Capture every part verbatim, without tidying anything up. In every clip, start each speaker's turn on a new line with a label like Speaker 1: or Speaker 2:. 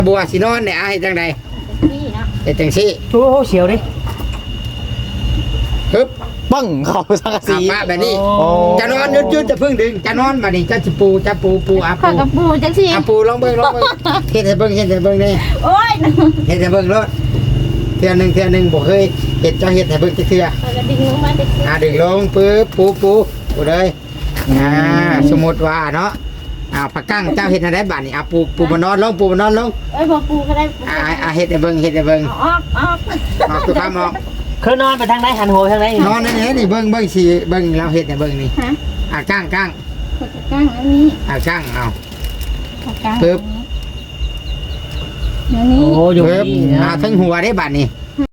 Speaker 1: บัวสินอนเนี่ยอาเฮ็ดจังไดเฮ็ดจังซี่
Speaker 2: โอ้โหเสียวดิ
Speaker 1: ฮึบ
Speaker 3: ปังเข้าสังกะสี
Speaker 1: ป้าแบบนี้จะนอนยืดๆจะพึ่งดึงจะนอนมานี่จะสิปูจะปูปูอาปู
Speaker 4: กับปูจังซี่
Speaker 1: อาปูลองเบิ่งลองเบิ่งเฮ็ดให้เบิ่งเฮ็ดให้เบิ่งนี่
Speaker 4: โอ้ย
Speaker 1: เฮ็ดให้เบิ่งรถเทื่อนึงเทื่อนึงบ่เคยเฮ็ดจังเฮ็ดให้เบิ่งจักเทื่อ
Speaker 4: แล้วดึงลงมาจังซี่
Speaker 1: อ่าดึงลงปึ๊บปูปูปูเลยอ่าสมมุติว่าเนาะอ่าผักกั้งเจ้าเฮ็ดให้ได้บัดนี้อ่ะปูปูมานอนลงปูมานอนลง
Speaker 4: เอ้ยบ่ปูก็ได้
Speaker 1: อ่าอ่าเฮ็ดให้เบิ่งเฮ็ดให้เบิ่ง
Speaker 4: ออกออก
Speaker 1: ออกตัวคำออก
Speaker 2: คือนอนไปทางไหนหันหัวทางไหน
Speaker 1: นอนนี่นี่เบิ่งเบิ่งสิเบิ่งเราเฮ็ดให้เบิ่งนี่
Speaker 4: ฮะ
Speaker 1: อ่ากั้งกั้ง
Speaker 4: กั้งอันนี้
Speaker 1: อ่ากั้งเอา
Speaker 4: กั้ง
Speaker 1: ปึ๊บ
Speaker 4: เดี๋ยวนี้
Speaker 2: โอ้อยู่
Speaker 1: นี่อ่าทั้งหัวได้บัดนี้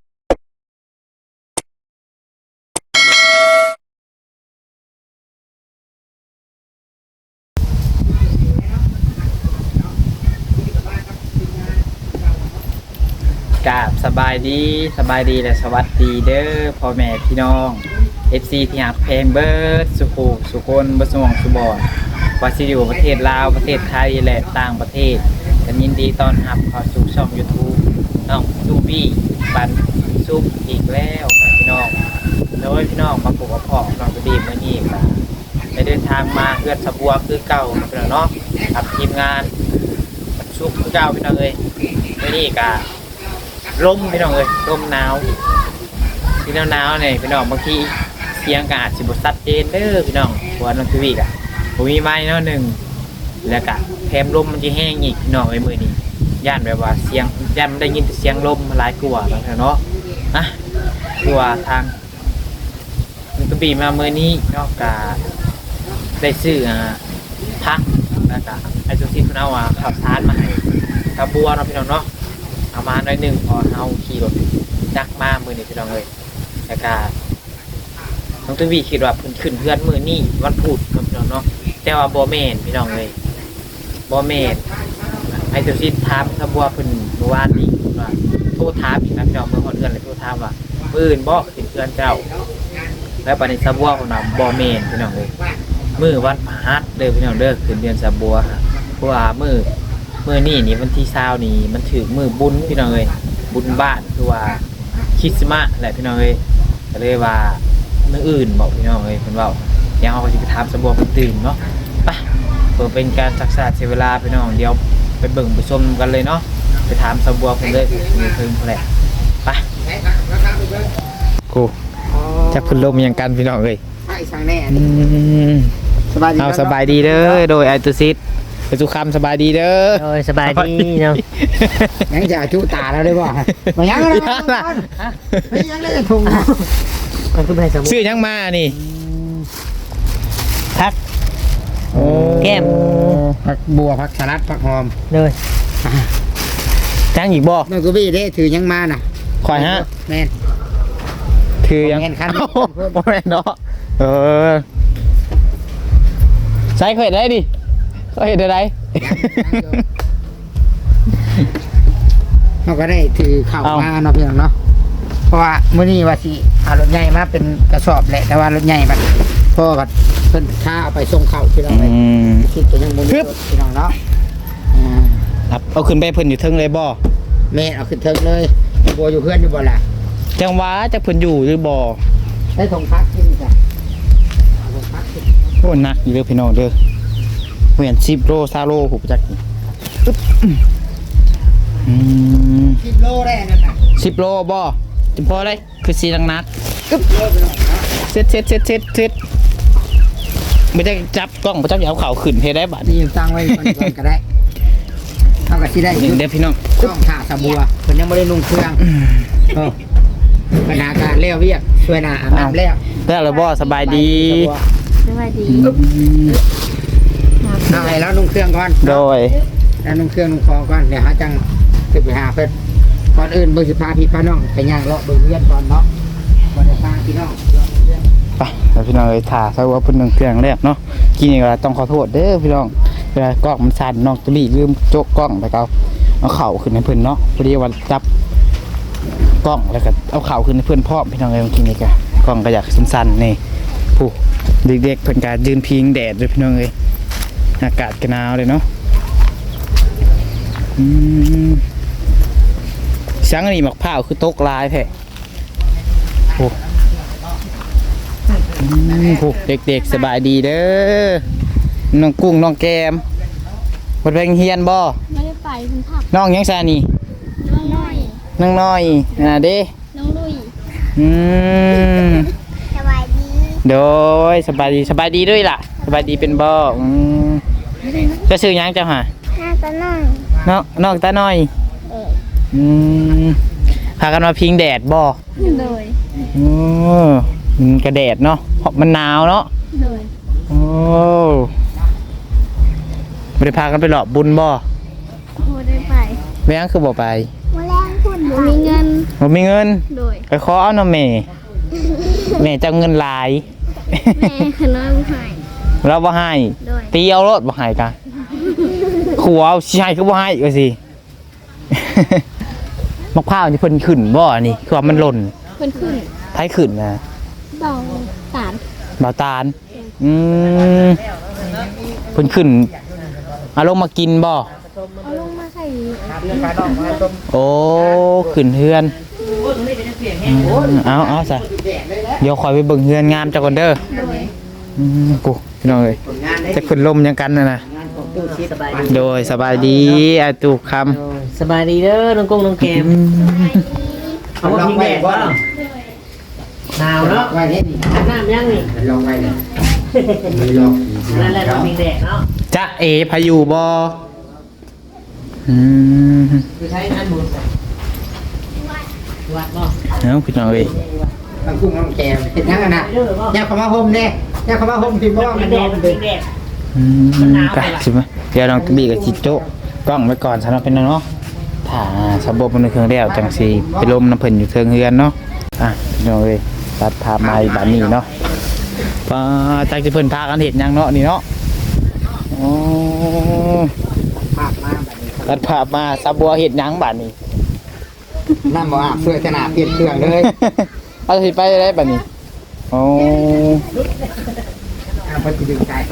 Speaker 3: กราบสบายดีสบายดีและสวัสดีเด้อพ่อแม่พี่น้อง เอฟ ซี ที่หักเพลงเบิร์ดสุขุสุคนบสมองสุบอนว่าสิอยู่ประเทศลาวประเทศไทยและต่างประเทศกันยินดีต้อนรับเข้าสู่ช่อง YouTube น้องซูบี้ปันซุปอีกแล้วพี่น้องโดยพี่น้องมาปลูกกระเพาะน้องดีเมื่อนี้ครับได้เดินทางมาเพื่อนสะบัวคือเก่าพี่น้องเนาะกับทีมงานซุปคือเก่าพี่น้องเลยเมื่อนี้กับลมพี่น้องเลยลมหนาวพี่น้องหนาวเนี่ยพี่น้องบางทีเสียงกาดสิบสัดเจนเด้อพี่น้องหัวน้องทีวีกะผมมีไม้เนาะหนึ่งแล้วกะแถมลมมันจะแห้งอีกพี่น้องไอ้มือนี้ย่านแบบว่าเสียงย่านได้ยินเสียงลมหลายกลัวบางทีเนาะนะกลัวทางน้องทีวีมาเมื่อนี้นอกจากได้ซื้อพักแล้วก็ไอ้ตัวที่คุณเอาว่าขับซานมาให้กระบัวเนาะพี่น้องเนาะเอามาหน่อยหนึ่งพอเอาขี่รถจักมามือนี่พี่น้องเลยแต่ก็น้องตุ้ยคิดว่าเพิ่นขึ้นเพื่อนมือนี่วันพุธพี่น้องเนาะแต่ว่าบ่แม่นพี่น้องเลยบ่แม่นไอ้ตัวที่ถามขบัวเพิ่นเมื่อวานนี้ว่าโทรถามอีกนะพี่น้องเมื่อคนเดือนเลยโทรถามว่ามื้ออื่นบ่ขึ้นเพื่อนเจ้าแล้วปานนี้ขบัวเพิ่นว่าบ่แม่นพี่น้องเลยมื้อวันพฤหัสเด้อพี่น้องเด้อขึ้นเดือนขบัวเพราะว่ามื้อมื่อนี่นี่วันที่เช้านี่มันถือมือบุญพี่น้องเลยบุญบ้านคือว่าคริสต์มาสแหละพี่น้องเลยก็เลยว่าเมื่ออื่นบอกพี่น้องเลยเพิ่นว่ายังเอาสิไปถามสะบัวเพิ่นตื่นเนาะไปเพื่อเป็นการศึกษาเสียเวลาพี่น้องเดี๋ยวไปเบิ่งไปชมกันเลยเนาะไปถามสะบัวเพิ่นเลยมีเพิ่นแหละไปกูจะพุ่นลมยังกันพี่น้องเลย
Speaker 1: ใช่สั่งแน่
Speaker 3: สบายดีเอาสบายดีเด้อโดยไอตุซิดไปสุขคำสบายดีเด้อ
Speaker 2: โอ้ยสบายดีเนาะ
Speaker 1: ยังจะจุตาเราได้บ่มายังอะไรนะไม่ยังได้จะทุ่ง
Speaker 3: ซื้อยังมานี่
Speaker 2: พักแก้ม
Speaker 1: ผักบัวผักสลัดผักหอม
Speaker 2: เลยจังอีกบ่
Speaker 1: น้องกูบี้ได้ถือยังมาน่ะ
Speaker 3: ข่อยฮะ
Speaker 1: แม่น
Speaker 3: ถือยัง
Speaker 1: คัน
Speaker 3: แม่นเนาะเออใส่ข่อยได้ดิก็เห็นอะไร
Speaker 1: เราก็ได้ถือเข่ามาเนาะพี่น้องเนาะเพราะว่ามื้อนี้ว่าสิเอารถใหญ่มาเป็นกระสอบแหละแต่ว่ารถใหญ่มันพ่อบัดเพิ่นค้าเอาไปส่งเข่าพี่น้องเลยคิดจะยังบ่มีรถพี่น้องเนาะ
Speaker 3: ครับเอาขึ้นไปเพิ่นอยู่เทิงเลยบ่
Speaker 1: แม่เอาขึ้นเทิงเลยบัวอยู่เพื่อนอยู่บ่ล่ะ
Speaker 3: จังหวะจักเพิ่นอยู่หรือบ่
Speaker 1: ได้ทงพักกินจ้ะทงพักกิน
Speaker 3: โอ้หนักอยู่เด้อพี่น้องเด้อเหมือนสิบโลซาโลผมจัก
Speaker 1: สิบโลได้นั่นน่ะ
Speaker 3: สิบโลบ่จะพอได้คือสีนักนักเซ็ตเซ็ตเซ็ตเซ็ตเซ็ตไม่ได้จับกล้องไม่จับเอาเข่าขึ้นเพได้บัด
Speaker 1: นี่ตั้งไว้ก่อนก็ได้เท่ากับที่ได้
Speaker 3: เดี๋ยวพี่น้อง
Speaker 1: กล้องถ่าสบัวคนยังไม่ได้นุ่งเครื่องปัญหาการเลี้ยวเวียกช่วยหน้าอาบน้ำแล้ว
Speaker 3: แล้วเราบ่สบายดี
Speaker 4: สบายดี
Speaker 1: เอาไงแล้วนุ่งเครื่องก่อน
Speaker 3: โดย
Speaker 1: แล้วนุ่งเครื่องนุ่งคอก่อนเดี๋ยวหาจังจะไปหาเพื่อนก่อนอื่นเบอร์สิบห้าพี่ป้าน้องไปย่างเลาะเบอร์เพื่อนก่อนเนาะก่อนจะสร้างพี่น้อง
Speaker 3: ไปแล้วพี่น้องเลยถ่าซะว่าพุ่นหนึ่งเครื่องแรกเนาะกินอีกแล้วต้องขอโทษเด้อพี่น้องเวลากล้องมันสั่นน้องจะรีลืมโจกกล้องไปเอาเอาเข่าขึ้นให้เพื่อนเนาะพอดีวันจับกล้องแล้วก็เอาเข่าขึ้นให้เพื่อนพ่อพี่น้องเลยกินอีกอะกล้องก็อยากสั้นๆนี่ผู้เด็กๆเพื่อนการยืนพิงแดดด้วยพี่น้องเลยอากาศกระหนาวเลยเนาะอืมสังนี่หมักผ้าวคือตกลายแท้โอ้อืมโหเด็กๆสบายดีเด้อน้องกุ้งน้องแกมเพิ่นไปเฮียนบ่
Speaker 4: ไม่ได้ไปคุณผัก
Speaker 3: น้องยังซานี่
Speaker 4: น้องน้อย
Speaker 3: น้องน้อยอ่าเด้
Speaker 4: น้องลุย
Speaker 3: อืม
Speaker 4: สบายดี
Speaker 3: โดยสบายดีสบายดีด้วยล่ะสบายดีเป็นบ่อืมจะซื้อหยังเจ้าหา
Speaker 4: หน้าตาน้อย
Speaker 3: น้องน้องตาน้อย
Speaker 4: เออ
Speaker 3: อืมพากันมาพิงแดดบ่
Speaker 4: เลย
Speaker 3: โอ้มันกระแดดเนาะเพราะมันหนาวเนาะ
Speaker 4: เลย
Speaker 3: โอ้ไม่ได้พากันไปหลอกบุญบ่
Speaker 4: โอ้ได้ไป
Speaker 3: แม่งคือบ่ไป
Speaker 4: มาแรงคุณมีเงิน
Speaker 3: บ่มีเงิน
Speaker 4: โดย
Speaker 3: ไปขอเอาเนาะแม่แม่จะเอาเงินหลาย
Speaker 4: แม่ขน้อยหาย
Speaker 3: เราบ่ให้
Speaker 4: โดย
Speaker 3: ตีเอารถบ่ให้กะขัวเอาสิให้คือบ่ให้ก็สิ มะพร้าวนี่เพิ่นขึ้นบ่นี่คือว่ามันหล่น
Speaker 4: เพิ่นขึ้น
Speaker 3: ไผขึ้นนะ
Speaker 4: เบาสาร
Speaker 3: บ่าวตาลอืมเพิ่นขึ้นเอาลงมากินบ่
Speaker 4: เอาลงมาใส่
Speaker 3: โอ้ขึ้นเฮือนอืมเอาเอาซะเดี๋ยวคอยไปเบิ่งเฮือนงามจักก่อนเด้อ
Speaker 4: โดย
Speaker 3: อืมกูพี่น้องเอ้ยจะขึ้นลมยังกันน่ะนะ
Speaker 2: สบายดี
Speaker 3: โดยสบายดีอาตุกคำ
Speaker 2: โอ้ยสบายดีเด้อน้องกุ้งน้องแกมเอาว่าพิงแดดบ่หนาวเนาะ
Speaker 1: ไว้นี่นี่
Speaker 2: อาบน้ำยังนี่
Speaker 1: ลองไว้นี่มีลอง
Speaker 2: นั่นแหละน้องพิงแดดเนาะ
Speaker 3: จะเอพายุบออืม
Speaker 2: คือใช้งานบุญวัดบ่
Speaker 3: เอาพี่น้องเอ้ย
Speaker 1: บางกุ้งน้องแกมเห็นยังไงนะอยากเข้ามาห่มเด้อยากเข้ามาห่มพี่บ่ว่ามัน
Speaker 2: แด
Speaker 1: ร้อ
Speaker 2: ด
Speaker 1: น
Speaker 2: มัน
Speaker 1: เด้
Speaker 2: พิงแดด
Speaker 3: อืมไปสิมาเดี๋ยวน้องตะบี้กับจิโจ้กล้องไว้ก่อนสำหรับเป็นเนาะถ้าสะบบมันเครื่องแล้วจังสีไปลมน้ำเพิ่นอยู่เทิงเฮือนเนาะอ่ะพี่น้องเอ้ยตัดภาพมาอีกบัดนี้เนาะปาจักสิเพิ่นพากันเฮ็ดหยังเนาะนี่เนาะโอ้
Speaker 1: ภาพมาแบบนี้
Speaker 3: ตัดภาพมาซะบัวเฮ็ดหยังบัดนี้
Speaker 1: น้ำบ่อาบเสื้อขนาดเปลี่ยนเครื่องเลย
Speaker 3: เอาสิไปได้บัดนี้โอ้
Speaker 1: อ่าเพิ่นสิดึงสายโซ่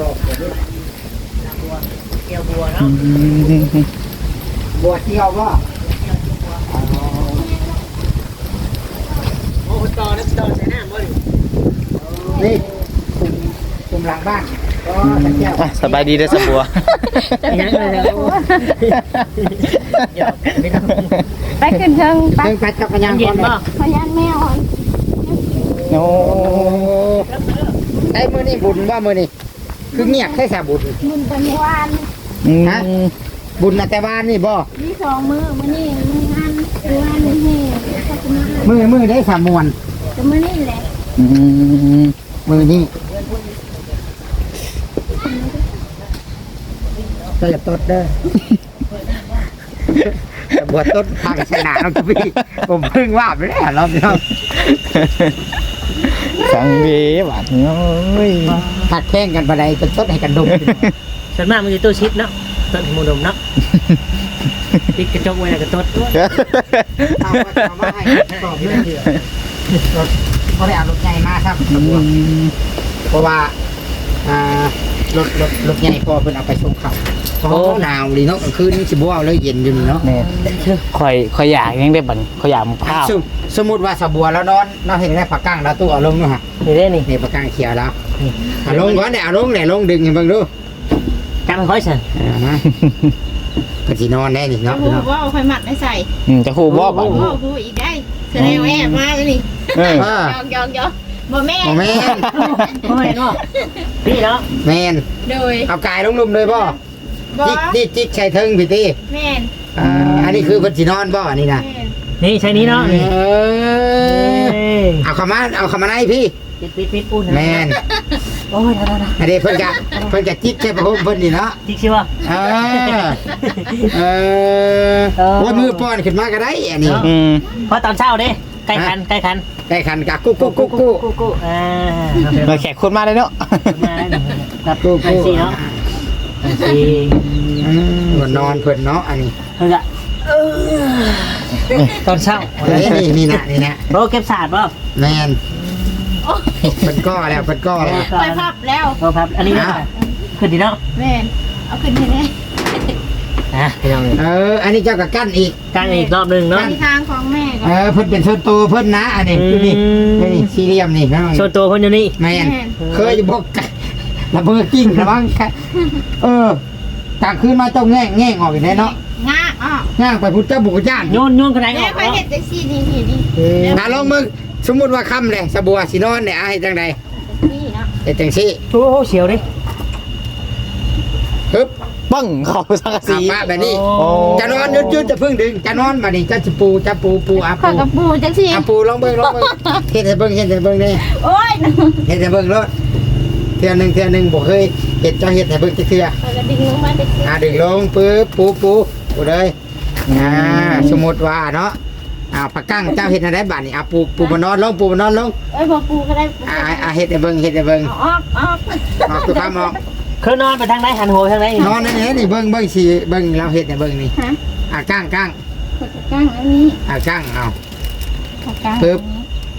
Speaker 2: เกี่ยวบัว
Speaker 3: อื
Speaker 2: เนาะ
Speaker 3: ม
Speaker 1: บัวเที่ยวบ่
Speaker 2: โอ้โหต่อนะต่อใส่น้ำบ่ดิ
Speaker 1: นี่คุมคุมหลังบ้านก็ตะเกียบ
Speaker 3: อ่ะสบายดีเด้อสะบัว
Speaker 2: ยังเลยนะโอ้ยเดี๋ยวไม่ต้อง
Speaker 4: ไปขึ้นเชิงไป
Speaker 1: เพิ่งไปจักรยาน
Speaker 2: เย็
Speaker 1: ก่อน น
Speaker 2: บ่
Speaker 4: พยานแม่อ่อน
Speaker 3: โอ้
Speaker 1: ไอ้มื้อนี้บุญว่ามื้อนี้คือเงียบแค่สาบุญ
Speaker 4: มุนเป็นวาน
Speaker 3: อืม
Speaker 1: ฮะ บุญน่ะแต่บ้านนี่บ่
Speaker 4: มีสองมือมื้อนี้มืองานมืองานนี่ขอบคุณมาก
Speaker 1: มื้อมื้อได้สามมวน
Speaker 4: แต่มื้อนี้แหละ
Speaker 3: อืม
Speaker 1: มื้อนี้ก็อย่าตดเด้อแต่บวชต้นพากันชนะน้องทุพี่ผมเพิ่งว่าไปแล้วรอบนี้
Speaker 3: สังเวบาดเนาะเอ้ย
Speaker 1: ตัดแข่งกันไปได้จนต้นให้กันดม
Speaker 2: ส่วนมากมันจะตู้ชิดเนาะต้นหมูดมเนาะปิดกระจกไว้แล้วก็ต้น
Speaker 1: เอาว่าจะเอามาให้ตอบเรื่องเดียวรถเขาได้เอารถใหญ่มาครับเพราะว่าอ่ารถรถรถใหญ่พอเพิ่นเอาไปส่งเขาโอ้หนาวดีเนาะกลางคืนนี่สิบ่เอาเลยเย็นอยู่นี่เนาะ
Speaker 3: แม่ข่อยข่อยอยากยังได้บัดนี้ข่อยอยากหมกข้าว
Speaker 1: สมสมมุติว่าสะบัวแล้วนอนเราเห็นได้ผักกั้งแล้วตู้เอาลงเนาะฮะ
Speaker 2: นี่ได้นี่
Speaker 1: นี่ผักกั้งเขียวแล้วเอาลงก่อนเนี่ยเอาลงเนี่ยลงดึงให้เบิ่งดู
Speaker 2: กำค่อยสั่น
Speaker 1: เอามาก็สินอนแน่นี่เนาะ
Speaker 4: โอ้โหว่าเอาไฟหมัดไม่ใส่
Speaker 3: อืมจะฮู้บ่บัด
Speaker 4: โอ้
Speaker 3: นี้
Speaker 4: โหอีกได้แสดงว่าแอบมาแล้วนี่
Speaker 3: เออ
Speaker 1: เออย
Speaker 4: อกยอกยอกบ่แม่
Speaker 1: โอ้แม่น
Speaker 2: โอ้ยเนาะพี่เนาะ
Speaker 1: แม่น
Speaker 4: โดย
Speaker 1: เอากายลงลุมเลยบ่
Speaker 4: บ่
Speaker 1: จิกจิกจิกใช้เทิงพี่ติ
Speaker 4: แม่น
Speaker 1: อ่าอันนี้คือเพิ่นสินอนบ่อันนี้นะ
Speaker 4: แม่น
Speaker 2: นี่ใช้นี้เนาะ
Speaker 1: เอ
Speaker 2: นี่
Speaker 1: อเอาเข้ามาเอาเข้ามาในพี่
Speaker 2: ปิดปิดปิดอุ่น
Speaker 1: แม่น
Speaker 2: โอ้ยได้ได้
Speaker 1: อันนี้เพิ่นกะเพิ่นกะจิกใช้ประโคมเพิ่นนี่เนาะ
Speaker 2: จริงใช่ป่ะ
Speaker 1: เออเออโอ้ยมือป้อนขึ้นมาก็ได้อันนี้
Speaker 3: อืม
Speaker 2: เพราะตอนเช้าเด้ใกล้คันใกล้คัน
Speaker 1: ใกล้คันกะกุ๊กกุ๊กกุ๊กกุ๊ก
Speaker 2: กูกูอ่า
Speaker 3: มาแขกคนมาเลยเนาะ
Speaker 2: มาได้หนึ่งครับ
Speaker 1: กุ๊ก
Speaker 2: อัน
Speaker 1: กุ๊ก
Speaker 2: สี่เนาะอันสี่
Speaker 1: อืมว่านอนเพิ่นเนาะอันนี้
Speaker 2: เฮ้ยอะตอนเช้า
Speaker 1: เอ้ยนี่นี่นะนี่นะ
Speaker 2: โรเก็บศาสตร์ป่ะ
Speaker 1: แม่นเพิ่นก้อแล้วเพิ่นก้อแล้ว
Speaker 4: ไปพับแล้ว
Speaker 2: โรพับอันนี้นะขึ้นดีเนาะ
Speaker 4: แม่นเอาขึ้นให้แน่
Speaker 2: อนะพี่น้อง
Speaker 1: เอออันนี้เจ้าก็กั้นอีก
Speaker 2: กันอีกรอบหนึงเนาะ
Speaker 4: เป็นทางของแม่ก่อ
Speaker 1: เอน อเพิ่นเป็นส่วนตัวเพิ่นนะอันนี้
Speaker 2: อืม
Speaker 1: ดูนี่นี่สี่เหลี่ยมนี่พี่น้อง
Speaker 2: ส่วนตัวเพิ่นอยู่นี่
Speaker 1: แม่นเคยบอกกันระเบิดกิ้งระวังค่ะเออกลางคืนมาเจ้าแง่งแง่งออกอีกแน่เนาะ
Speaker 4: งาอ้อ
Speaker 1: ง่างไปพุทธเจ้าบุกย่าน
Speaker 2: โยนโยนกระไดอ
Speaker 4: แม่
Speaker 2: อก
Speaker 4: ค่อย
Speaker 2: เนาะ
Speaker 4: เห็ดจังซี่นี่นี่นี่
Speaker 1: มาลองมึงสมมุติว่าค่ำเลยสบัวสินอนเนี่ยอาให้จังใด
Speaker 4: นี่เนาะ
Speaker 1: เฮ็ดจังซี่
Speaker 2: โอ้โหเสียวดิ
Speaker 1: ฮึบ
Speaker 3: ปังเข้าสังกะสี
Speaker 1: อ่ะมาแบบนี้
Speaker 2: โอ้
Speaker 1: จะนอนยืดๆจะเพิ่งดึงจะนอนมาดิจะจะปูจะปูปูอา
Speaker 4: ข้อ
Speaker 1: ปู
Speaker 4: ยกับปูจังซี่
Speaker 1: อาปูลองเบิ่งลองเบิ่งเฮ็ดให้เบิ่งเฮ็ดให้เบิ่งนี่
Speaker 4: โอ้ย
Speaker 1: เฮ็ดให้เบิ่งรถเทื่อหนึงเทื่อหนึงบ่เคยเฮ็ดเจ้าเฮ็ดให้เบิ่งจักเทื่อ
Speaker 4: ข้อยก็ดึงลงมาจังซี่
Speaker 1: อ่าดึงลงปึ๊บปูปูปูเลยอ่าสมมุติว่าเนาะอ่าปากกั้งเจ้าเฮ็ดให้ได้บัดนี้อ่ะปูปูมานอนลงปูมานอนลง
Speaker 4: เอ้ยบ่ปูก็ได้ปู
Speaker 1: อ่าอ่าเฮ็ดให้เบิ่งเฮ็ดให้เบิ่ง
Speaker 4: เอาออกออก
Speaker 1: ออกตัวคำออก
Speaker 2: คือนอนไปทางไหนหันหัวไปทางไหน
Speaker 1: นอนนั่นนี่นี่เบิ่งเบิ่งสิเบิ่งเราเฮ็ดให้เบิ่งนี่
Speaker 4: ฮะ
Speaker 1: อ่ากั้งกั้ง
Speaker 4: ข้อยก็กางอันนี้
Speaker 1: อ่ากั้งเอา
Speaker 4: ข้อยกาง
Speaker 1: ปึ๊บ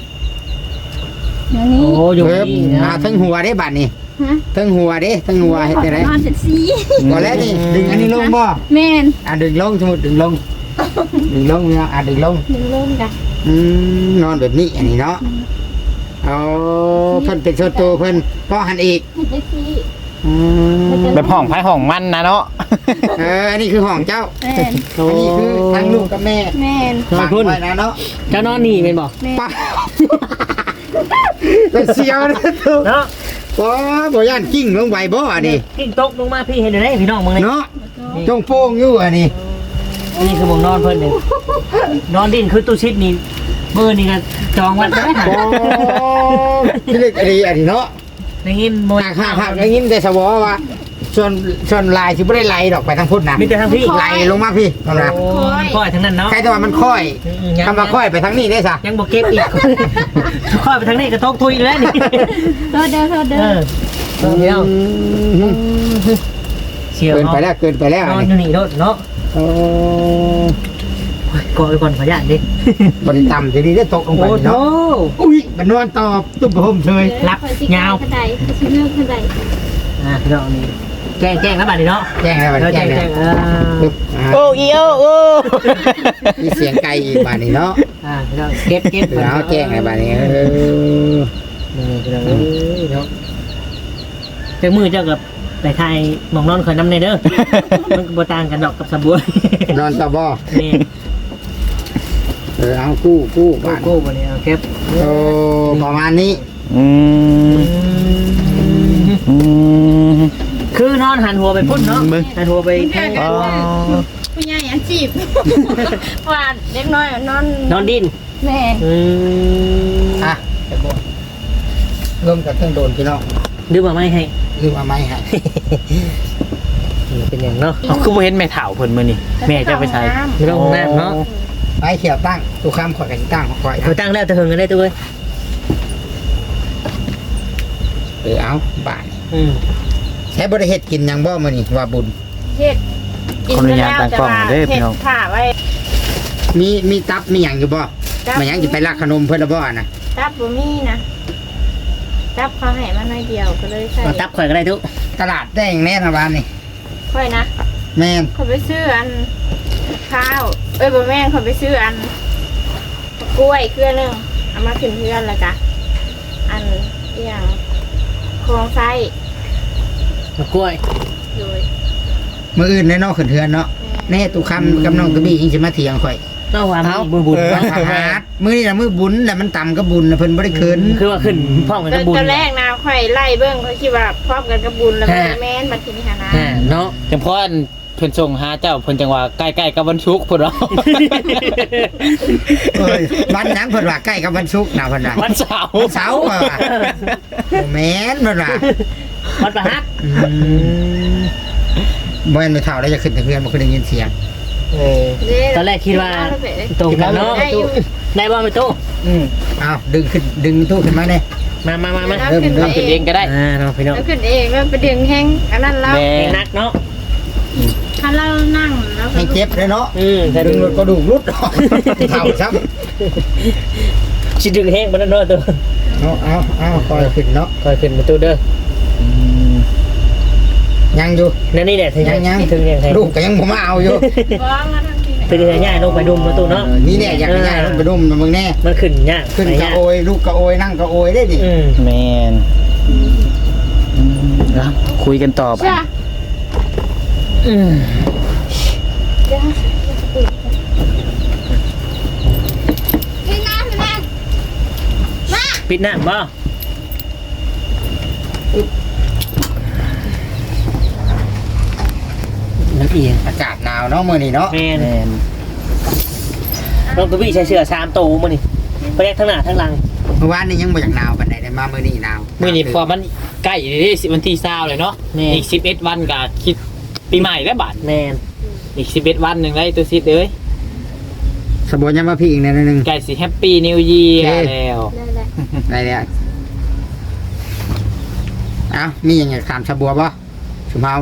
Speaker 4: อย่างนี้
Speaker 2: โอ้อยู่
Speaker 1: ปึ๊บ
Speaker 2: นี่
Speaker 1: อ่า
Speaker 2: นะ
Speaker 1: ทั้งหัวได้บัดนี้
Speaker 4: ฮะ
Speaker 1: ทั้งหัวเด้ทั้งหัวเฮ็ดได้
Speaker 4: นอนจังซี่
Speaker 1: ก่อนแล้วนี่ดึงอันนี้ลงบ่
Speaker 4: แม่น
Speaker 1: อ่ะดึงลงสมมุติดึงลงดึงลงเนี่ยอ่ะดึงลง
Speaker 4: ดึงลงจ้ะ
Speaker 1: อืมนอนแบบนี้อันนี้เนาะเอาเพิ่นเป็นโซโตวเพิ่นก็หันอีก
Speaker 4: เฮ็ดจังซี่
Speaker 1: อืม
Speaker 3: แบบห้องไผห้องมันนะเนาะ
Speaker 1: เอออันนี้คือห้องเจ้า
Speaker 4: แม่น
Speaker 2: โอ้
Speaker 1: อันนี้คือทั้งลูกกับแม่
Speaker 4: แม่น
Speaker 2: นอนพุ่น
Speaker 1: ฝากไว้นะเนาะ
Speaker 2: เจ้านอนนี่เป็นบอก
Speaker 4: แม่น
Speaker 1: ป้าเป็นเสียวนะทุก
Speaker 2: เนาะ
Speaker 1: ว้าบ่ย่านกิ้งลงไปบ่อันนี้
Speaker 2: กิ้งตกลงมาพี่เห็นได้พี่น้องมึงเลย
Speaker 1: เนาะจงโป้งอยู่อันนี้
Speaker 2: นี่คือผมนอนเพิ่นเลยนอนดินคือตู้ชิดนี่เบอร์นี่ก็จองวันได้ค่ะ
Speaker 1: โอ้ที่เล็กอันนี้อันนี้เนาะ
Speaker 2: ได้ยินโมย
Speaker 1: หากหากหากได้ยินแต่สวอว่าส่วนส่วนลายสิบ่ได้ไหลดอกไปทางพุทธนะ
Speaker 2: มีแต่ทางพี่
Speaker 1: ไหลลงมาพี่นั่นนะ
Speaker 2: โอ้ยค่อยทั้งนั้นเนาะ
Speaker 1: ใครแต่ว่ามันค่อยคำว่าค่อยไปทางนี้ได้ซะ
Speaker 2: ยังบอกเก็บอีกค่อยไปทางนี้กระทกทุยแล้วนี่
Speaker 4: โทษเด้อโทษเด้
Speaker 2: เอ
Speaker 4: อ
Speaker 2: อเดี๋ยวเชียว
Speaker 1: เกินไปแล้วเกินไปแล้ว
Speaker 2: น
Speaker 1: อั
Speaker 2: อน
Speaker 1: น
Speaker 2: อยู่
Speaker 1: นี้
Speaker 2: นี่โดดเนาะ
Speaker 1: โอ้
Speaker 2: ก่อนไปก่อนขออนุญาตดิ
Speaker 1: บริต่ำทีนี้ได้ตกลงไป
Speaker 2: โอ้โห
Speaker 1: เนาะอุ้ยมันนอนตอบตุ้มโฮมเชย
Speaker 2: รับยาว
Speaker 4: กระไดสิเลือกกระได
Speaker 2: อ่าพี่น้องนี่แจ้งแจ้งแล้วบัดนี้เนาะ
Speaker 1: แจ้งแล้วมัน
Speaker 2: เออ
Speaker 1: แจ้
Speaker 2: แจ้
Speaker 1: ง
Speaker 2: ง
Speaker 1: แล้
Speaker 2: แจ้
Speaker 1: ว
Speaker 2: งอ่า
Speaker 1: ปึ๊บอ่า
Speaker 3: โอ้อีโอโอ้
Speaker 1: มีเสียงไก่อีกบาดนี้เนาะ
Speaker 2: อ่าพี่น้องเก็บเก็บ
Speaker 1: แล้วแจ้งแล้วบาดนี้เออ
Speaker 2: นี่พี่น้องเอ้ยเนาะเจ้ามือเจ้ากับไปไทยหมองนอนคอยน้ำในเด้อมันก็บ่ต่างกันดอกกับสบัวน
Speaker 1: อนตะบ่
Speaker 2: นี่
Speaker 1: เออเอากู้กู้
Speaker 2: โก้
Speaker 1: บาด
Speaker 2: โก้บ่เนี่ยเอาเก็บ
Speaker 1: โอ้ประมาณนี้
Speaker 3: อืมอืม
Speaker 2: คือนอนหันหัวไปพุ่นเนาะ
Speaker 3: มึง
Speaker 2: หันหัวไปทาง
Speaker 3: อ๋อ
Speaker 4: ผู้ใหญ่อันจีบว่าเด็กน้อยนอน
Speaker 2: นอนดิน
Speaker 4: แม่
Speaker 2: อืม
Speaker 1: อ่ะตะบ่เริ่มจากเครื่องโดนพี่น้อง
Speaker 2: ดื้อมาไม่ให้
Speaker 1: ลืมเอาไม้ให้
Speaker 2: นี่เป็นอย่างเนาะ
Speaker 3: เอาคือบ่เห็นแม่เฒ่าเพิ่นมื้อนี้แม่จะไปใช้
Speaker 2: ไม่ต้องน้ำเนาะ
Speaker 1: ไม้เขียวตั้งตู้ข้ามข่อยกันตั้งของข่อย
Speaker 2: เขาตั้งแล้วจะเฮิงกันได้ตัวเว้ย
Speaker 1: เออเอาบาด
Speaker 2: อืม
Speaker 1: ใช้บริเฮ็ดกินหยังบ่มื้อนี้ว่าบุญ
Speaker 4: เฮ็ด
Speaker 3: ขออนุญาตตั้งกล้องเด้อพี่น้อง
Speaker 4: ผ่าไว้
Speaker 1: มีมีตับมีหยังอยู่บ่มาหยังสิไปลักขนมเพิ่นละบ่น่ะ
Speaker 4: ตับบ่มีนะตับเขาให้มาหน่อยเดียวก็เลยใส่
Speaker 2: เอาตับข่อยก็ได้ทุก
Speaker 1: ตลาดแดงแน่นะบ้านนี่
Speaker 4: ค่อยนะ
Speaker 1: แม่น
Speaker 4: เขาไปซื้ออันข้าว เอ้ยบ่แม่นเขาไปซื้ออันกล้วยเครือหนึงเอามาขึ้นเพื่อนแล้วจ้ะอันอหย่างโครงไส้
Speaker 2: มะกล้วย
Speaker 4: โดย
Speaker 1: มื้ออื่นแน่เนอนขึ้นเทือนเนาะแน่ตุคำกับน้องตะบี้ยิงสิมาเถียงข่อย
Speaker 2: ต้องวางบุญบุญ
Speaker 1: เอออาหารมื้อนี้น่ะมื้อบุญแหละมันต่ำกับบุญน่ะเพิ่นบ่ได้คืน
Speaker 2: คือว่าขึ้นพร้อมกัน
Speaker 4: ต
Speaker 2: กับบุญ
Speaker 4: อนแรกนะค่อยไล่เบิ้งเขาคิดว่าพร้อมกันกับบุญแล้วมันแม่นบัดทีนี้หานะ
Speaker 2: อ่าเนาะ
Speaker 3: จังพออันเพิ่นส่งหาเจ้าเพิ่นจังว่าใกล้ๆกับวันศุกร์พุ่นเนาะ
Speaker 1: เอ้ยวันหยังเพิ่นว่าใกล้กับวันศุกร์น่ะเพิ่นว่า
Speaker 3: วันเสาร์
Speaker 1: วันเสาร์ว่ะบ่แม่นเพิ่นว่า
Speaker 2: วัดประหัต
Speaker 1: อืมบ่แม่นไม่เท่าแล้วจะขึ้นแต่เพื่อนบ่เคยได้ยินเสียง
Speaker 2: เออตอนแรกคิดว่าตรงกันเนาะได้บ้างไหมตู้
Speaker 1: อืมเอาดึงขึ้นดึงตู้ขึ้นมาเด้
Speaker 2: มามามามา
Speaker 1: เริ่มเริ่ม
Speaker 3: ขึ้นเองก็ได้
Speaker 2: อ่าเนาะพี่น้อง
Speaker 4: แล้วขึ้นเองแล้วไปดึงแห้งอันนั้นแล้ว
Speaker 3: แม่
Speaker 2: เองนักเนาะ
Speaker 4: ถ้าเรานั่งแล้ว
Speaker 1: ให้เจ็บเลยเนาะ
Speaker 2: อืมแต่
Speaker 1: ดึ
Speaker 2: ดึ
Speaker 1: ง
Speaker 2: ง
Speaker 1: รถก็ดูกรุดออกเท่าซ้
Speaker 2: ชิดึงแห้งมันนั่นเนาะตัว
Speaker 1: ำเอาเอาเอาคอยขึ้นเนาะ
Speaker 2: คอยขึ้นประตูเด้อ
Speaker 1: ยังอยู่
Speaker 2: นั่นนี่แหละถึง
Speaker 1: ยังยัง
Speaker 2: ถึงเนี่ย
Speaker 1: ลูกก็ยังบ่มาเอาอยู่
Speaker 4: ฟ้องมาทางที่ไหน
Speaker 2: ถึงจะง่ายลงไปดุมประตูเนาะ
Speaker 1: เออนี่แน่อยากให้ง่ายลงไปดุมมึงแน่
Speaker 2: มันขึ้นยาก
Speaker 1: ขึ้น
Speaker 2: ไป
Speaker 1: กระ
Speaker 2: ยาก
Speaker 1: โอยลูกกระโอยนั่งกระโอยได้ดิ
Speaker 2: อืม
Speaker 3: แมนแล้วคุยกันต่อไป
Speaker 4: จ้ะ
Speaker 2: อืม
Speaker 4: เดี๋ยวพี่น้ำพี่น้ำมา
Speaker 2: ปิดหน้าบ่ น้ำเอียง
Speaker 1: อากาศหนาวเนาะมื้อนี้เนาะ
Speaker 2: แม่น
Speaker 3: แมน
Speaker 2: น้องตัวพี่ใช้เสื้อสามตัวมานี่ไปแรกทั้งหน้าทั้งหลัง
Speaker 1: เมื่อวานนี้ยังบ่อยากหนาวปานใดได้มามื้อนี้หนาว
Speaker 3: มื้อนี้พอมันใกล้ที่วันที่ยี่สิบเลยเนาะ
Speaker 2: แม่
Speaker 3: อีกสิบเอ็ดวันก็คิดปีใหม่แล้วบาด
Speaker 2: แม่น
Speaker 3: อีกสิบเอ็ดวันหนึงได้ตัวซิดเอ้ย
Speaker 1: สบวนยังมาพี่อีกแนวนึง
Speaker 3: ใกล้สิแฮปปี้นิวเยีย
Speaker 1: โอ
Speaker 3: ร์
Speaker 1: เค
Speaker 3: แล้ว
Speaker 4: ได้แล้ว
Speaker 1: ได้แล้วเอ้ามีหยังอยากถามสบัวบ่สุเฮา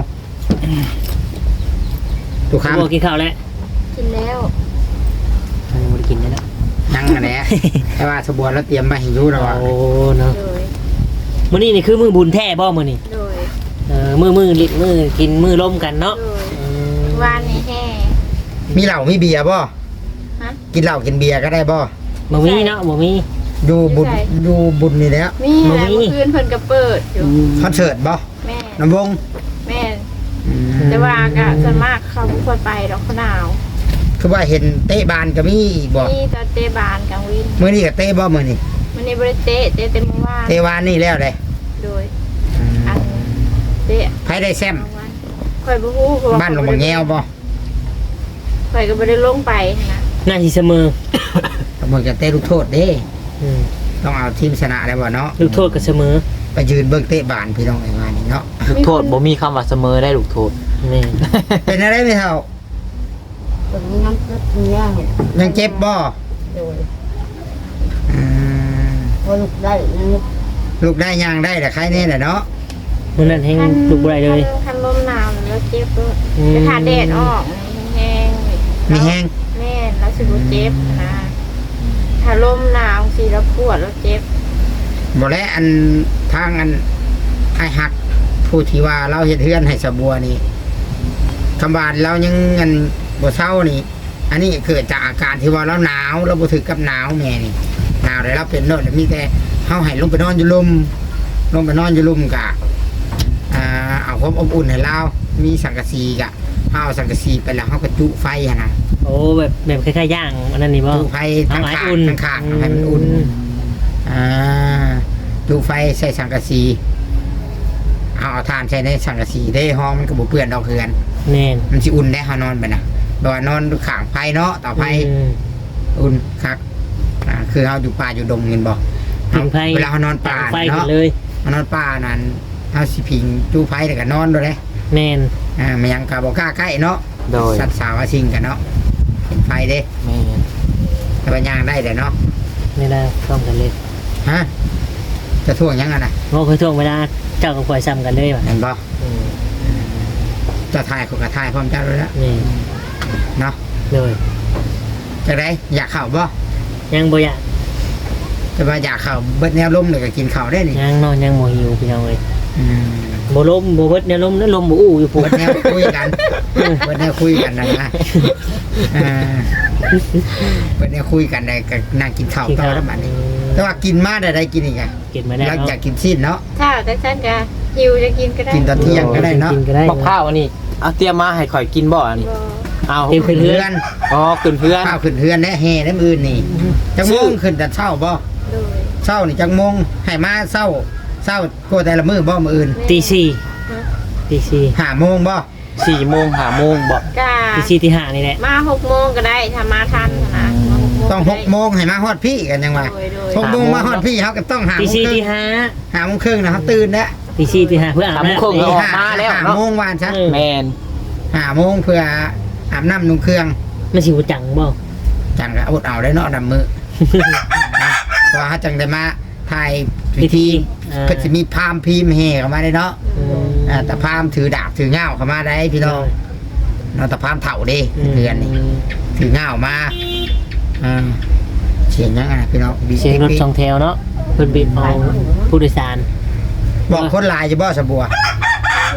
Speaker 1: ทุกคำ
Speaker 2: บัวกินข้าวแล้ว
Speaker 4: กินแล้ว
Speaker 2: ยังไม่ได้กินเลยนะ
Speaker 1: ยังอันแหละแต่ว่าสบัวเราเตรียมมาให้อยู่แล้วว่า
Speaker 2: โอ้เนาะ
Speaker 4: โดย
Speaker 2: มื้อนี้นี่คือมือบุญแท้บ่มื้อนี้
Speaker 4: โดย
Speaker 2: เออมือมือลิมือกินมือร่มกันเนาะ
Speaker 4: โดย
Speaker 2: อืม
Speaker 4: วานนี้แห่
Speaker 1: มีเหล้ามีเบียร์บ่
Speaker 4: ฮะ
Speaker 1: กินเหล้ากินเบียร์ก็ได้บ่
Speaker 2: บ่มีเนาะบ่มี
Speaker 1: อยู่บุญอยู่บุญนี่แหล้ว
Speaker 4: มี
Speaker 2: บ่
Speaker 4: แหละ
Speaker 2: มี
Speaker 4: เมื่อคืนเพิ่นก็เปิดอยู่
Speaker 1: คอนเสิร์ตบ่
Speaker 4: แม่
Speaker 1: น้ำวง
Speaker 4: แม่
Speaker 1: อืม
Speaker 4: แต่ว่าก็ส่วนมากเขาบ่ค่อยไปดอกเขาหนาว
Speaker 1: คือว่าเห็นเตะบานก็มีอีกบ่
Speaker 4: นี่ตอนเตะบานกลางวิน
Speaker 1: มื้อนี้ก็เตะบ่มื้อนี้
Speaker 4: มันนี่บ่ได้เตะเตะเต็มอวาน
Speaker 1: เตะวานนี่แล้วเลย
Speaker 4: โดยอันเตะ
Speaker 1: ไผได้แซม
Speaker 4: บางวันข่อยบ่ฮู้เพระว่
Speaker 1: บ้านหลวงบางแงวบ่
Speaker 4: ข่อยก็บ่ได้ลงไปนะ
Speaker 2: น่าสิเสมอ
Speaker 1: ตำรวจจะเตะลูกโทษเด้
Speaker 2: อืม
Speaker 1: ต้องเอาทีมชนะได้บ่เนาะ
Speaker 2: ลูกโทษก็เสมอ
Speaker 1: ไปยืนเบิ่งเตะบานพี่น้องไอ้วานนี่เนาะ
Speaker 3: ลูกโทษบ่มีคำว่าเสมอได้ลูกโทษ
Speaker 2: แม่น
Speaker 1: เป็นอะไรไม่เท่า
Speaker 5: ตรงนี้น้ำก็มีย่าง
Speaker 1: ยังเจ็บบ่
Speaker 5: โดย
Speaker 1: อืม
Speaker 5: พอลูกได้นั่น
Speaker 1: ลูกได้ย่างได้แต่ใครแน่แหละเนาะ
Speaker 2: มื้อนั้นแฮงลูกบ่ได้เลย
Speaker 4: คันคันลมหนาวแล้วเจ็บด้วย
Speaker 2: อืม
Speaker 4: แต่ถ้าแดดออกแห้งๆ
Speaker 1: มีแห้ง
Speaker 4: แม่นแล้วสิบ่เจ็บนะถ้าลมหนาวสิแล้วปวดแล้วเจ็บ
Speaker 1: บ่แล้วอันทางอันไอ้หักผู้ที่ว่าเราเฮ็ดเฮือนให้สะบัวนี่คำบานเรายังเงินบ่เศร้านี่ อันนี้เกิดจากอาการที่ว่าเราหนาวเราบ่ถึกกับหนาวแม่นี่หนาวได้เราเป็นโน่นมีแต่เฮาให้ลงไปนอนอยู่ลมลงไปนอนอยู่ลมกะอ่าเอาความอบอุ่นให้เรามีสังกะสีกะเฮาเอาสังกะสีไปแล้วเฮาก็จุไฟหั่นน่ะ
Speaker 2: โอ้แบบแบบคล้ายๆย่างอันนั้นนี่บ่
Speaker 1: จุไฟทั้ง
Speaker 2: เอาไว้
Speaker 1: ขา
Speaker 2: อุ่น
Speaker 1: ทั้งขาให้มันอุ่น อ่าดูไฟใส่สังกะสีเอาเอาทานใส่ในสังกะสีได้ห้องมันก็บ่เปื้อนดอกเคือน
Speaker 2: แม่น
Speaker 1: มันสิอุ่นได้เฮานอนไปนะแบบว่านอนข้างไฟเนาะต่อไฟ
Speaker 2: อืม
Speaker 1: อุ่นคักอ่าคือเฮาอยู่ป่าอยู่ดงเงินบ่
Speaker 2: ผิงไฟ
Speaker 1: เวลาเฮานอนป่า
Speaker 2: ไฟกัน
Speaker 1: เนาะ
Speaker 2: เลย
Speaker 1: เฮานอนป่านั้นเฮาสิพิงจูไฟแล้วก็นอนด้วยเด้
Speaker 2: แม่น
Speaker 1: อ่ามันยังก็บ่กล้าใกล้เนาะ
Speaker 3: โดย
Speaker 1: สัตว์สาวอาชิงกันเนาะเห็นไฟเด้
Speaker 3: แม่น
Speaker 1: แต่ว่าย่างได้เด้เนาะ
Speaker 2: ไม่ได้พร้อมกันเลย
Speaker 1: ฮะจะท่วงยังอ่ะนะ
Speaker 2: บ่เคยท่วงเวลาเจ้ากับข่อยซ้ำกันเลยว่ะ
Speaker 1: เห็นบ่
Speaker 2: อืม
Speaker 1: จะถ่ายคนก็ถ่ายพร้อมเจ้าด้วยแล้ว
Speaker 2: นี่
Speaker 1: เนาะ
Speaker 2: เลย
Speaker 1: จะได้อยากเข่าบ่
Speaker 2: ยังบ่อยาก
Speaker 1: จะว่าอยากเข่าเบิดแนวลมเลยก็กินเข่าวได้นี่
Speaker 2: ยังนอนยังบ่หิวพี่น้องเอ้ย
Speaker 1: อืม
Speaker 2: บ่ลมบ่เบิดเนี่ยลมแล้วลมบ่อู้อยู่พุ่น
Speaker 1: เบิดแนวคุยกันเบิดแนวคุยกันนะนะอ่าเบิดแนวคุยกันได้ก็นั่งกินข้าวต่อแล้วบัดนี้แต่ว่ากินมาได้ได้กินอีกอ่ะ
Speaker 2: กินมาได้
Speaker 1: แล้ว
Speaker 2: เนาะ
Speaker 1: อยากกินซีนเนาะ
Speaker 4: ถ้าแต่ฉันก็หิวจะกินก็ได้
Speaker 1: กินตอนเที่ยงก็ได้เนาะ
Speaker 2: กินก็ได้
Speaker 3: บักข้าวอันนี้เอาเตรียมมาให้ข่อยกินบ่อันนี้
Speaker 4: บ่
Speaker 3: เอา
Speaker 2: เตรียมขึ้นเรื
Speaker 1: เพื่
Speaker 2: อ
Speaker 1: อน น
Speaker 3: อ๋อขึ้นเพื่อน
Speaker 1: ข้าวขึ้นเฮือนและแห่น้ำอื่นนี่จังโมงขึ้นแต่เช้าบ่
Speaker 4: โดย
Speaker 1: เช้านี่จังโมงให้มาเช้าเช้าก็แต่ละมื้อบ่มื้ออื่น
Speaker 2: ตีสี่
Speaker 4: ฮะ
Speaker 2: ตีสี่
Speaker 1: ห้าโมงบ่
Speaker 3: สี่โมงห้าโมงบ่
Speaker 4: กา
Speaker 2: ตีสี่ตีห้านี่แหละ
Speaker 4: มาหกโมงก็ได้ถ้ามาทันนะมาหกโมง
Speaker 1: ต้องหกโมงให้มาฮอดพี่กันยังว่า
Speaker 4: โดยโดย
Speaker 1: หกโมงมาฮอดพี่เขาก็ต้องหา
Speaker 2: ตี
Speaker 1: โมง
Speaker 2: สี่
Speaker 1: ครึ่
Speaker 2: ตี
Speaker 1: ง
Speaker 2: ห้า
Speaker 1: หาโมงครึ่งนะครับตื่นแล้ว
Speaker 2: ตีสี่ตีห้าเพื่ออาบ
Speaker 3: สาม
Speaker 2: น้ำ
Speaker 3: ครึ่งก็ออก
Speaker 1: ห้
Speaker 3: มาแล้ว
Speaker 1: ห้า
Speaker 3: เนาะ
Speaker 1: โมงวานซะ
Speaker 2: เออ
Speaker 3: แมน
Speaker 1: ห้าโมงเพื่ออาบน้ำนุ่งเครื่อง
Speaker 2: มันสิบ่จังบ่
Speaker 1: จังก็อดเอาได้เนาะดำมือนะเพราะว่าเขาจังได้มาถ่ายพิธี
Speaker 2: อ่า
Speaker 1: ก็จะมีพราหมณ์พิมพ์เฮเข้ามาได้เนาะ
Speaker 2: อืม
Speaker 1: อ่าแต่พราหมณ์ถือดาบถือเง่าเข้ามาได้พี่น้องเนาะแต่พราหมณ์เถ่าเด้เดือนนี่ถือเง่ามาอ่าเสียงยังไงพี่น้องบี
Speaker 2: เสียงรถสองแถวเนาะเพิ่นบีบเอาผู้โดยสาร
Speaker 1: บอกคนหลายจะบ่สะบัว
Speaker 4: ส่วนลาย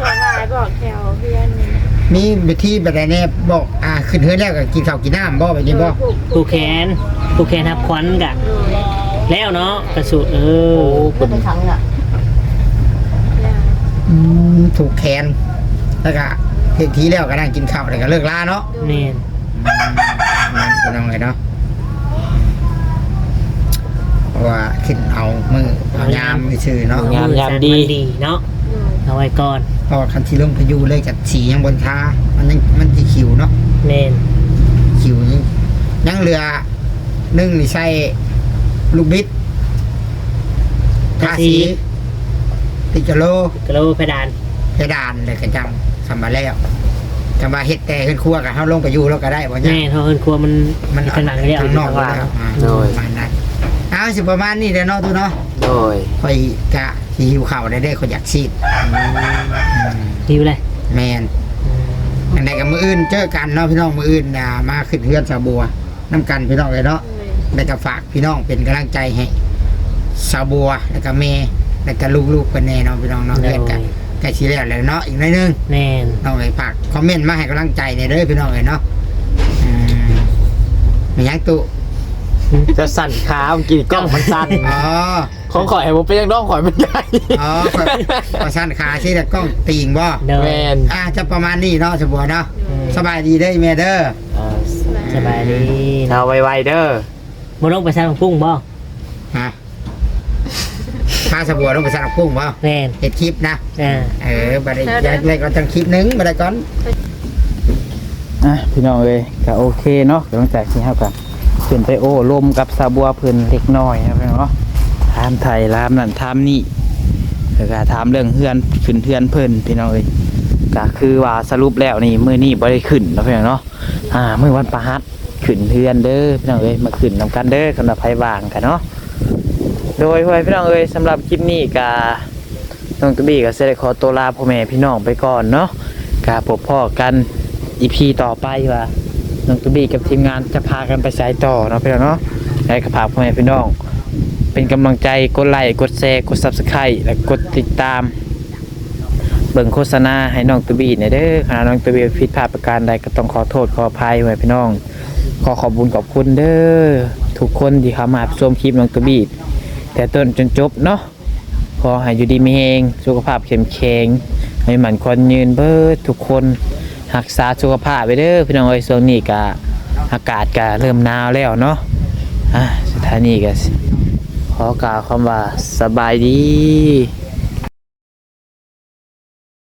Speaker 4: บอกแถวเพื่อน
Speaker 1: มีวิธีแบบใดแน่บอกอ่าขึ้นเฮือนแล้วก็กินข้าวกินน้ำบ่แบบนี้บ่
Speaker 2: ผูกแขนผูกแขนทับควันกะ แล้วเนาะกระสุดเออ
Speaker 5: ก็ไปทั้งอ่ะ
Speaker 1: อืมถูกแขนแล้วก็เฮ็ดทีแล้วก็นั่งกินข้าวแล้วก็เลิกลาเนาะ
Speaker 2: แม่น
Speaker 1: นั่นเป็นยังไงเนาะเพราะว่าขึ้นเอามือเอายามไปชื่อเนาะ
Speaker 3: งามยามดี
Speaker 2: ดีเนาะเอาไว้ก่อน
Speaker 1: เพราะว่าคันที่ลงพายุเลยกับสียังบนท้ามันยังมันจะขิวเนาะ
Speaker 2: แม่น
Speaker 1: ขิวยังยังเรือนึ่งนี่ใส่ลูกบิดทาสีติจโล
Speaker 2: กระโลเพดาน
Speaker 1: เพดานเลยกันจังสำมาแล้วจำมาเฮ็ดแต่ขึ้นครัวกับเฮาลงไปอยู่แล้วก็ได้บ่เนี่ย
Speaker 2: แม่เท่าเอินครัวมัน
Speaker 1: มัน
Speaker 2: ผนังเรียก
Speaker 1: ข้างนอก
Speaker 2: ข้าง
Speaker 1: แล้
Speaker 2: ล่าง
Speaker 1: วอ่า
Speaker 3: โดย
Speaker 1: ประมาณนั้นเอาสิประมาณนี้เด้อเนาะตูเนาะ
Speaker 3: โดย
Speaker 1: คอยกะสิหิวข้าวได้ได้คนอยากซีดอืม
Speaker 2: หิวเลย
Speaker 1: แมนอันใดกับมืออื่นเจอกันเนาะพี่น้องมืออื่นอ่ามาขึ้นเฮือนสาบัวน้ำกันพี่น้องเลยเนาะแล้วก็ฝากพี่น้องเป็นกำลังใจให้สาบัวแล้วก็เมย์แล้วก็ลูกๆกันแน่เนาะพี่น้องเนาะเรียนกันใกล้ชิแล้วเลยเนาะอีกหน่อยนึง
Speaker 2: แม่น
Speaker 1: น้องเลยฝากคอมเมนต์มาให้กำลังใจในอยเด้อพี่น้องเลยเนาะอืมมีหยังตุ
Speaker 3: จะสั่นขาเมื่อกี้กล้องมันสั่น
Speaker 1: อ๋อ
Speaker 3: ของข่อยผมเป็นยังน้องข่อยมันใหญ่
Speaker 1: อ๋อขอขอสั้นขาที่แต่กล้องตีงบ่
Speaker 2: เดิน
Speaker 3: แมน
Speaker 1: อ่าจะประมาณนี้เนาะสาบัวเนาะสบายดีเด้อแม่เด้อ
Speaker 2: สบายดี
Speaker 3: เอาไวๆเด้อ
Speaker 2: บ่ต้องไปใส่ของกุ้งบ่
Speaker 1: ฮะพาสบัวต้องไปสั่งกุ้งเปล่า
Speaker 2: แม่น
Speaker 1: เห็ดคลิปนะ
Speaker 2: อ่า
Speaker 1: เออบัดนี้ย้ายเลยก่อนจังคลิปหนึงบัดนี้ก่อน
Speaker 3: อ่ะพี่น้องเอ้ยก็โอเคเนาะหลังจากที่เฮากันขึ้นไปโอ้ลมกับสาบัวเพิ่นเล็กน้อยนะพี่น้องเนาะถามไทยถามนั่นถามนี่แล้วก็ถามเรื่องเฮือนขึ้นเฮือนเพิ่นพี่น้องเอ้ยก็คือว่าสรุปแล้วนี่มื้อนี้บ่ได้ขึ้นเนาะพี่น้องเนาะอ่ามื้อวันพฤหัสขึ้นเฮือนเด้อพี่น้องเอ้ยมาขึ้นนำกันเด้อสำหรับไผว่างกันเนาะโดยพ่อแม่พี่น้องเอ้ยสำหรับคลิปนี้ก็น้องตะบี้ก็สิได้ขอตัวลาพ่อแม่พี่น้องไปก่อนเนาะก็พบพ่อกัน อี พี ต่อไปว่าน้องตูบี้กับทีมงานจะพากันไปสายต่อเนาะพี่น้องเนาะให้กับพ่อแม่พี่น้องเป็นกำลังใจกดไลค์กดแชร์กด ซับสไครบ์ และกดติดตามเบิ่งโฆษณาให้น้องตูบี้เนี่ยเด้อขณะน้องตูบี้ผิดพลาดประการใดก็ต้องขอโทษขออภัยไว้พี่น้องขอขอบคุณขอบคุณเด้อทุกคนที่เข้ามาชมคลิปน้องตูบี้แต่ต้นจนจบเนาะขอให้อยู่ดีมีแรงสุขภาพเข้มแข็งให้หมั่นควันยืนเบิดทุกคนรักษาสุขภาพไปเด้อพี่น้องเอ้ยช่วงนี้ก็อากาศก็เริ่มหนาวแล้วเนาะอ่ะสถานีก็ขอกล่าวคำว่าสบายดี